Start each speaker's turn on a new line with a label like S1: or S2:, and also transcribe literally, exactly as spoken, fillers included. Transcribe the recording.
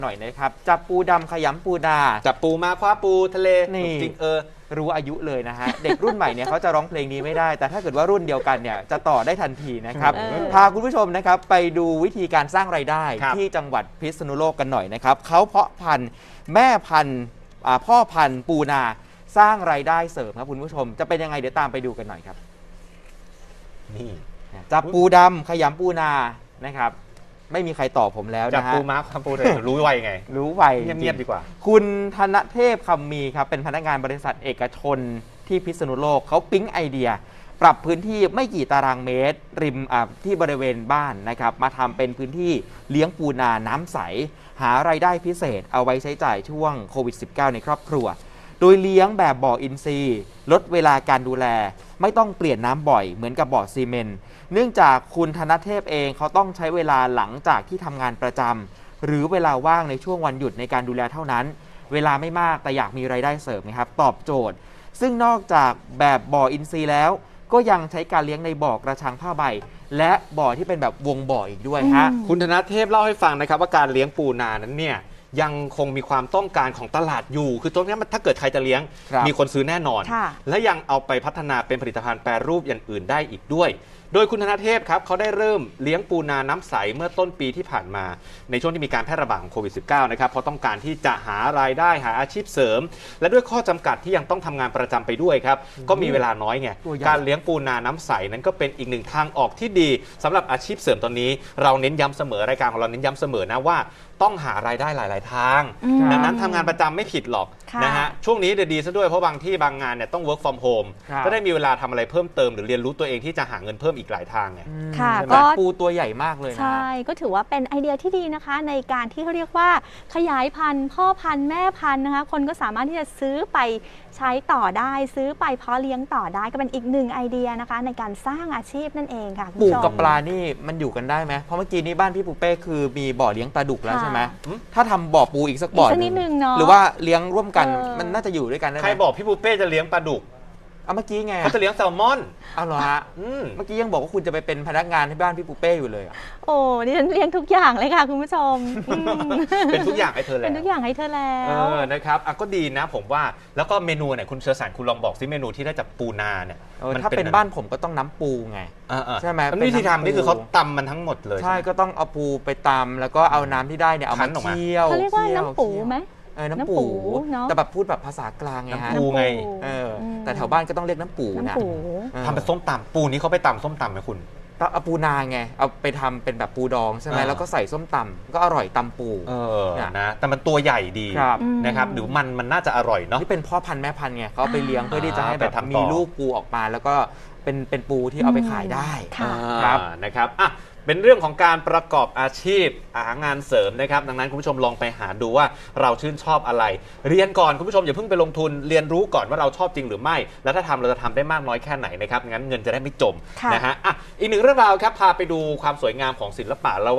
S1: หน่อยนะครับจับปูดำขยำปูดา
S2: จับปูมาคว้าปูทะเล
S1: นี่
S2: จริงเออ
S1: รู้อายุเลยนะฮะ เด็กรุ่นใหม่เนี่ยเขาจะร้องเพลงนี้ไม่ได้แต่ถ้าเกิดว่ารุ่นเดียวกันเนี่ยจะต่อได้ทันทีนะครับพาคุณผู้ชมนะครับไปดูวิธีการสร้างรายได้ที่จังหวัดพิษณุโลกกันหน่อยนะครับเขาเพาะพันธุ์แม่พันธุ์พ่อพันธุ์ปูนาสร้างรายได้เสริมครับคุณผู้ชมจะเป็นยังไงเดี๋ยวตามไปดูกันหน่อยครับนี่จับปูดำขยำปูนานะครับไม่มีใครตอบผมแล้วนะฮะ
S2: จับปูม้าคำปูเลยรู้ไวไง
S1: รู้ไว
S2: เงียบๆดีกว่า
S1: คุณธนเทพคำมีครับเป็นพนักงานบริษัทเอกชนที่พิษณุโลกเขาปิ๊งไอเดียปรับพื้นที่ไม่กี่ตารางเมตรริมที่บริเวณบ้านนะครับมาทำเป็นพื้นที่เลี้ยงปูนาน้ำใสหารายได้พิเศษเอาไว้ใช้จ่ายช่วงโควิด สิบเก้า ในครอบครัวโดยเลี้ยงแบบบ่ออินทรีย์ลดเวลาการดูแลไม่ต้องเปลี่ยนน้ำบ่อยเหมือนกับบ่อซีเมนต์เนื่องจากคุณธนเทพเองเขาต้องใช้เวลาหลังจากที่ทำงานประจำหรือเวลาว่างในช่วงวันหยุดในการดูแลเท่านั้นเวลาไม่มากแต่อยากมีรายได้เสริมนะครับตอบโจทย์ซึ่งนอกจากแบบบ่ออินทรีย์แล้วก็ยังใช้การเลี้ยงในบ่อกระชังผ้าใบและบ่อที่เป็นแบบวงบ่ออีกด้วยฮะ
S2: คุณธนเทพเล่าให้ฟังนะครับว่าการเลี้ยงปูนานั้นเนี่ยยังคงมีความต้องการของตลาดอยู่คือตรงนี้ถ้าเกิดใครจะเลี้ยงมีคนซื้อแน่นอนและยังเอาไปพัฒนาเป็นผลิตภัณฑ์แปรรูปอย่างอื่นได้อีกด้วยโดยคุณธนเทพครับเขาได้เริ่มเลี้ยงปูนาน้ำใสเมื่อต้นปีที่ผ่านมาในช่วงที่มีการแพร่ระบาดของโควิด สิบเก้า นะครับเพราะต้องการที่จะหารายได้หาอาชีพเสริมและด้วยข้อจำกัดที่ยังต้องทำงานประจำไปด้วยครับก็มีเวลาน้อยไงการเลี้ยงปูนาน้ำใสนั้นก็เป็นอีกหนึ่งทางออกที่ดีสำหรับอาชีพเสริมตอนนี้เราเน้นย้ำเสมอรายการของเราเน้นย้ำเสมอนะว่าต้องหารายได้หลายๆทางดังนั้นทำงานประจำไม่ผิดหรอกนะฮะช่วงนี้ดีซะด้วยเพราะบางที่บางงานเนี่ยต้อง work from home ก็ได้มีเวลาทำอะไรเพิ่มเติมหรือเรียนรู้ตัวเองที่จะหาเงินเพิ่มอีกหลายทางไง
S1: ค่ะก็ปูตัวใหญ่มากเลยนะ
S3: ใช่ก็ถือว่าเป็นไอเดียที่ดีนะคะในการที่เขาเรียกว่าขยายพันธุ์พ่อพันธุ์แม่พันธุ์นะคะคนก็สามารถที่จะซื้อไปใช้ต่อได้ซื้อไปเพาะเลี้ยงต่อได้ก็เป็นอีกหนึ่งไอเดียนะคะในการสร้างอาชีพนั่นเองค่ะ
S1: ปูกับปลานี่มันอยู่กันได้ไหมเพราะเมื่อกี้นี้บ้านพี่ปูเป้คือมีบ่อเลี้ยงปลาดุกแล้วใช่ไหมถ้าทำบ่อปูอีกสักบ่อนึงหรือว่าเลี้ยงร่วมกันมันน่าจะอยู่ด้วยกันได้ไหม
S2: ใครบอกพี่ปูเป้จะเลี้ยงปลาดุก
S1: เอาเมื่อกี้ไง
S2: เขาจะเลี้ยงแซลมอน
S1: เอาเหรอฮะเมื่อกี้ยังบอกว่าคุณจะไปเป็นพนักงานที่บ้านพี่ปูเป้อยู่เลย
S3: โอ้ดิฉันเลี้ยงทุกอย่างเลยค่ะคุณผู้ชม
S2: เป็นทุกอย่างให้เธอแล้ว
S3: เป็นทุกอย่างให้เธอแล้ว
S2: เออนะครับอ่ะก็ดีนะผมว่าแล้วก็เมนูเนี่ยคุณเชอร์สารคุณลองบอกซิเมนูที่ได้จากปูนาเนี่ย
S1: ถ้าเป็นบ้านผมก็ต้องน้ำปูไงใช่ไหม
S2: วิธีทำนี่คือเขาตำมันทั้งหมดเลย
S1: ใช่ก็ต้องเอาปูไปตำแล้วก็เอาน้ำที่ได้เนี่ยเอามาเคี่ยว
S3: เขาเรียกว่าน้ำปูไหม
S1: เออน้ำปูแต่แบบพูดแบบภาษากลางไงฮะ
S2: น้ำปูไง
S1: เออแต่แถวบ้านก็ต้องเรียกน้ำปูนะ
S2: ทำเป็นส้มตำปูนี้เขาไปตำส้มตำไหมคุณ
S1: เอาปูนาไงเอาไปทำเป็นแบบปูดองใช่ไหมแล้วก็ใส่ส้มตำก็อร่อยตำปู
S2: เออนะแต่มันตัวใหญ่ดีนะครับหรือมันมันน่าจะอร่อยเนาะ
S1: นี่เป็นพ่อพันธุ์แม่พันธุ์ไงเขาไปเลี้ยงเพื่อที่จะให้แบบมีลูกปูออกมาแล้วก็เป็นเป็นปูที่เอาไปขายได้
S2: ครับนะครับอ่ะเป็นเรื่องของการประกอบอาชีพหางานเสริมนะครับดังนั้นคุณผู้ชมลองไปหาดูว่าเราชื่นชอบอะไรเรียนก่อนคุณผู้ชมอย่าเพิ่งไปลงทุนเรียนรู้ก่อนว่าเราชอบจริงหรือไม่แล้วถ้าทำเราจะทำได้มากน้อยแค่ไหนนะครับงั้นเงินจะได้ไม่จมนะฮะอ่ะอีกหนึ่งเรื่องราวครับพาไปดูความสวยงามของศิลปะ